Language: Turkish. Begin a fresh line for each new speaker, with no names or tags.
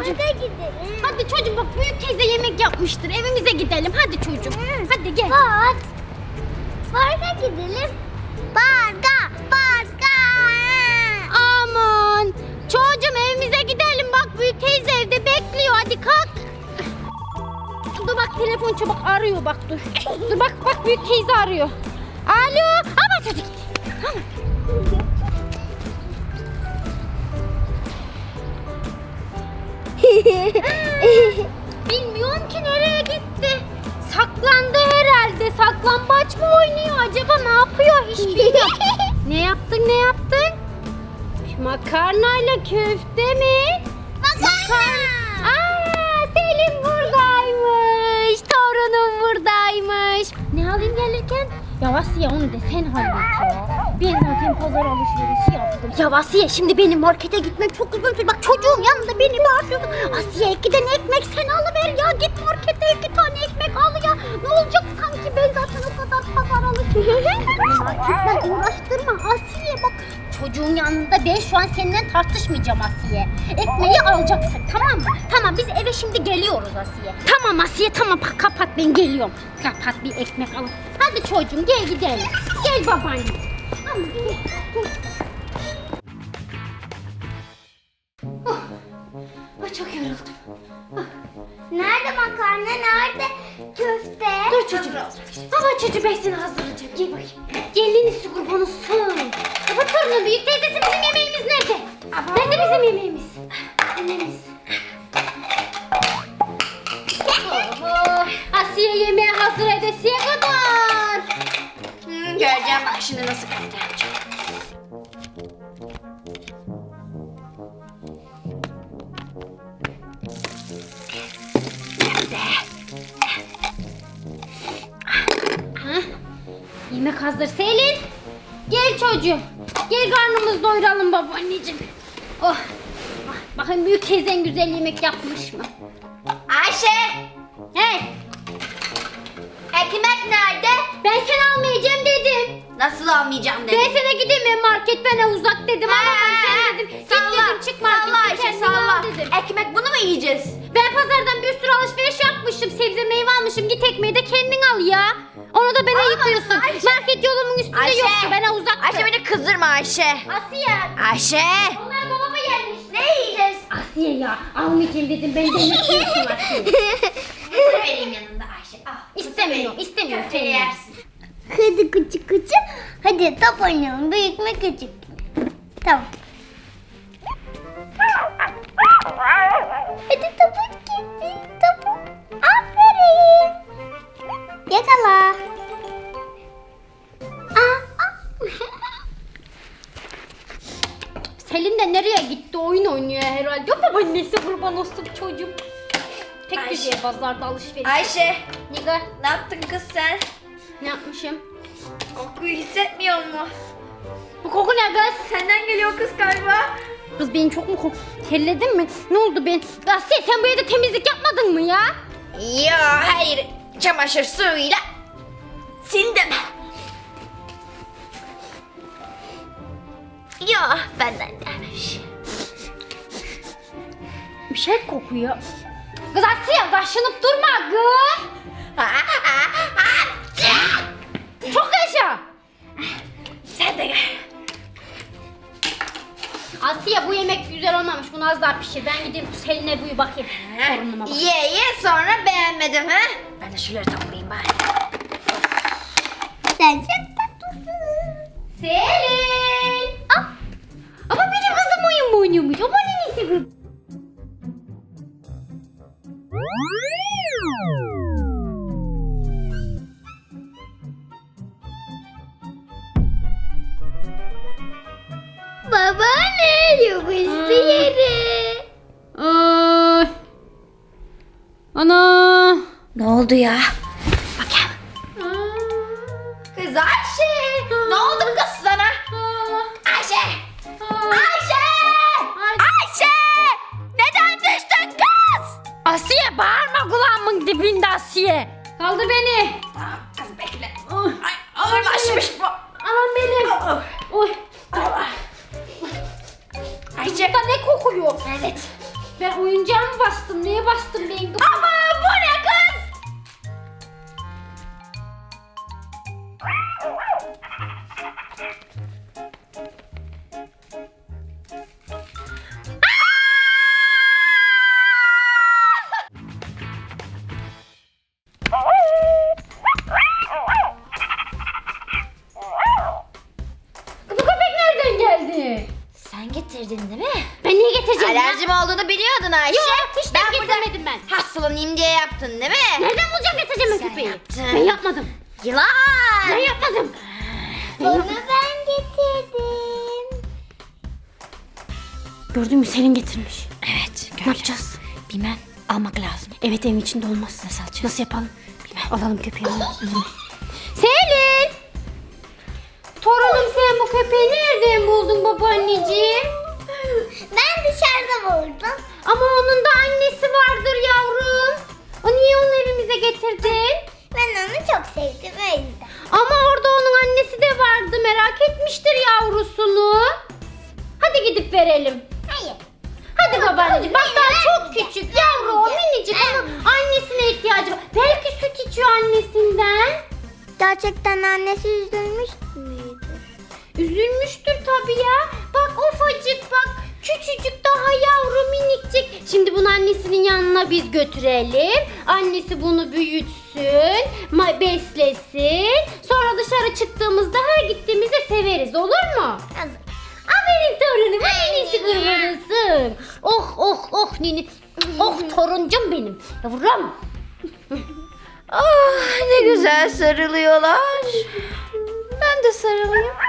çocuğum.
Parka gidelim.
Hadi çocuğum bak büyük teyze yemek yapmıştır. Evimize gidelim. Hadi çocuğum. Hadi gel.
Parka gidelim. Parka.
Aman. Çocuğum evimize gidelim. Bak büyük teyze evde bekliyor. Hadi kalk. Dur bak telefon çabuk arıyor bak dur. Dur bak büyük teyze arıyor. Alo. Ama çocuk. Tamam. Bilmiyorum ki nereye gitti. Saklandı herhalde. Saklambaç mı oynuyor acaba? Ne yapıyor? Hiç bilmiyorum. Ne yaptın? Makarnayla köfte mi?
Makarna.
Aa, Selim buradaymış. Torunum buradaymış. Ne alayım gelirken? Ya Asiye onu da sen hallet ya. Ben zaten pazar alışverişi yaptım. Ya Asiye şimdi benim markete gitmek çok uzun sürdü. Bak çocuğum yanında beni bağırıyorsun. Asiye 2 tane ekmek sen alıver ya. Git markete 2 tane ekmek al ya. Ne olacak sanki ben zaten o kadar pazar alışverişi. Marketle uğraştırma Asiye bak. Çocuğun yanında ben şu an seninle tartışmayacağım Asiye. Ekmeği alacaksın tamam mı? Tamam biz eve şimdi geliyoruz Asiye. Tamam Asiye tamam kapat ben geliyorum. Kapat bir ekmek al. Hadi çocuğum gel gidelim. Gel babaanne. Tamam gel. Çok yoruldum.
Nerede makarna? Nerede köfte?
Dur çocuğum. Baba çocuğum ben seni hazırlayacağım. Gel bakayım. Gelini kurban olsun. Baba torunum büyük teyzesi bizim yemeğimiz nerede? Nerede bizim yemeğimiz? Yemeğimiz. Oho. Asiye yemeği hazır edesiye kadar.
Göreceğim bak şimdi nasıl köfte yapacağım.
Yemek hazır Selin. Gel çocuğum. Gel karnımızı doyuralım babaanneciğim. Oh. Bakın büyük teyzen güzel yemek yapmış mı?
Ayşe!
Hey.
Ekmek nerede?
Ben seni almayacağım dedim.
Nasıl almayacağım dedim.
Ben sana gideyim mi market bana uzak dedim. Alamam sen dedim. Git dedim çık markete.
Salla Ayşe
kendin
salla.
al dedim.
Ekmek bunu mu yiyeceğiz?
Ben pazardan bir sürü alışveriş yapmışım. Sebze meyve almışım. Git ekmeği de kendin al ya. Onu da bana yıkıyorsun.
Ayşe.
Market yolumun üstünde yoktu. Bana uzaktı.
Ayşe beni kızdırma Ayşe.
Asiye.
Ayşe!
Onlar dolaba gelmiş.
Ne yiyeceğiz?
Asiye ya almayacağım dedim. Ben denetiyorsun Asiye.
Mısır vereyim yanında Ayşe. Al.
İstemiyorum. İstemiyorum.
Köfteyi
seni.
yersin.
Hadi küçük. Hadi top oynayalım. Büyük mü küçük mü? Tamam. Hadi topuk gitti. Topuk. Aferin. Yakala.
Selin de nereye gitti? Oyun oynuyor herhalde. Yok babaannesi kurban olsun çocuğum. Tek
Ayşe.
güzel pazarda alışveriş.
Ayşe!
Nigar
Ne yaptın kız sen?
ne yapmışım?
Kokuyu hissetmiyor mu?
Bu koku ne kız?
Senden geliyor kız galiba.
Kız beni çok mu terledin mi? Ne oldu ben? Asiye sen bu evde temizlik yapmadın mı ya?
Ya hayır. Çamaşır suyuyla sildim. Ya benden gelmiş.
Bir şey kokuyor. Kız Asiye kaşınıp durma kız. Çok yaşa.
Sen de gel.
Asiye bu yemek güzel olmamış. Bunu az daha pişir. Ben gideyim Selin'e buyu bakayım. Sorunuma bak.
Ye sonra beğenmedim ha. Ben de şunları toplayayım bari.
Sen çok tatlısın.
Selin. Ah. Ama benim kızım oyun mu oynuyormuş? Ama neyse kız.
Babaanne yapıştı yere.
Ay. Ana.
Ne oldu ya? Bakayım. Kız Ayşe. Ne oldu kız sana? Ayşe. Ayşe. Ayşe. Neden düştün kız?
Asiye bağırma kulağımın dibinde Asiye. Kaldır beni.
Tamam kız bekle.
Ay.
Ay ağırlaşmış bu.
Aman benim. Oy.
Ayşe.
Burada ne kokuyor?
Evet.
Ben oyuncağım var
yaptın Ayşe?
Yok, hiç de
Ben burada
getirmedim ben.
hastalanayım diye yaptın değil mi?
Nereden bulacağım getireceğim
Sen
köpeği?
yaptın.
Ben yapmadım.
Yılan.
Ben yapmadım.
Onu ben getirdim.
Gördün mü Selin getirmiş.
Evet.
Ne yapacağız?
Bilmem. Almak lazım.
Evet evin içinde olmaz.
Nasıl alacağız?
Nasıl yapalım? Bilmem. Alalım köpeği. alalım. Selin! Torunum sen bu köpeği nereden buldun babaanneciğim?
Ben dışarıda buldum.
Ama onun da annesi vardır yavrum. O niye onu evimize getirdin?
Ben onu çok sevdim o yüzden.
Ama orada onun annesi de vardı. Merak etmiştir yavrusunu. Hadi gidip verelim.
Hayır.
Hadi babaanneciğim. Bak daha çok
vermeyeceğim.
küçük yavru o minicik ama annesine ihtiyacı var. Belki süt içiyor annesinden.
Gerçekten annesi üzülmüş müydü?
Üzülmüştür tabii ya. Bak ufacık bak. Küçücük daha yavru minikcik. Şimdi bunu annesinin yanına biz götürelim. Annesi bunu büyütsün. Beslesin. Sonra dışarı çıktığımızda her gittiğimizde severiz. Olur mu?
Hazır.
Aferin torunum. Annesi kurbanısın. Oh oh oh nini. Oh toruncum benim. Yavrum.
Ah ne güzel sarılıyorlar. Ben de sarılayım.